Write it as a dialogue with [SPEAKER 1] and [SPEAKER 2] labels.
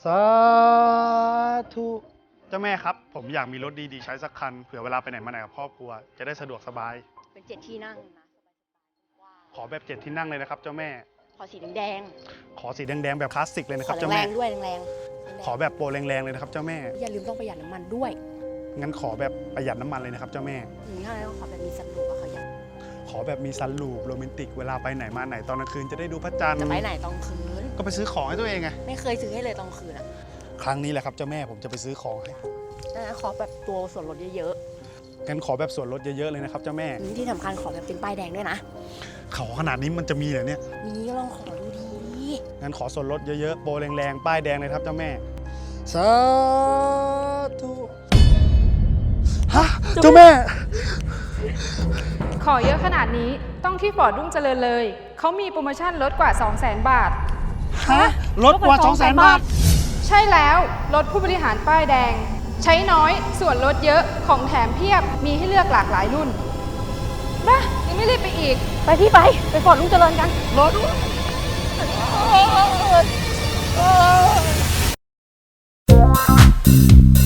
[SPEAKER 1] สาธุเจ้าแม่ครับผมอยากมีรถดีๆใช้สักคันเผื่อเวลาไปไหนมาไหนกับครอบครัวจะได้สะดวกสบาย
[SPEAKER 2] เป็น7 ที่นั่งนะ
[SPEAKER 1] ขอแบบ7 ที่นั่งเลยนะครับเจ้าแม่
[SPEAKER 2] ขอสีแดง
[SPEAKER 1] ขอสีแดงๆแบบคลาสสิกเลยนะครับ
[SPEAKER 2] ขอ
[SPEAKER 1] เจ้า
[SPEAKER 2] แร
[SPEAKER 1] แม่
[SPEAKER 2] งๆด้วยแรง
[SPEAKER 1] ขอแบบโปรแรงๆเลยนะครับเจ้าแม่
[SPEAKER 2] อย่าลืมต้องประหยัดน้ำมันด้วย
[SPEAKER 1] งั้นขอแบบประหยัดน้ำมันเลยนะครับเจ้าแม่
[SPEAKER 2] ถ้าแล้วขอแบบมีสันลูปอะค่ะอยาก
[SPEAKER 1] ขอแบบมีซันรูฟโรแมนติกเวลาไปไหนมาไหนตอนกลางคืนจะได้ดูพระจันทร์
[SPEAKER 2] จะไปไหนตอนคืน
[SPEAKER 1] ก็ไปซื้อของให้ตัวเองไง
[SPEAKER 2] ไม่เคยซื้อให้เลยตอนคืนอะ
[SPEAKER 1] ครั้งนี้แหละครับเจ้าแม่ผมจะไปซื้อของให้
[SPEAKER 2] ขอแบบตัวส่วนลดเยอะ
[SPEAKER 1] งั้นขอแบบส่วนลดเยอะๆเลยนะครับเจ้าแม่
[SPEAKER 2] ที่สำคัญขอแบบเป็นป้ายแดงด้วยนะ
[SPEAKER 1] ขอขนาดนี้มันจะมีเหรอเนี่ย
[SPEAKER 2] มีก็ลองขอดูดี
[SPEAKER 1] งั้นขอส่วนลดเยอะๆโปรแรงๆป้ายแดงเลยครับเจ้าแม่สาธุฮะเจ้าแม่
[SPEAKER 3] ขอเยอะขนาดนี้ต้องที่ฟอร์ดรุ่งเจริญเลยเขามีโปรโมชั่นลดกว่า 200,000 บาท
[SPEAKER 1] ฮะลดกว่า 200,000 บาท
[SPEAKER 3] ใช่แล้วรถผู้บริหารป้ายแดงใช้น้อยส่วนลดเยอะของแถมเพียบมีให้เลือกหลากหลายรุ่นบ้ายังไม่รีบไปอีก
[SPEAKER 2] ไปพี่ไปฟอร์ดรุ่งเจริญกัน
[SPEAKER 1] รถด้วย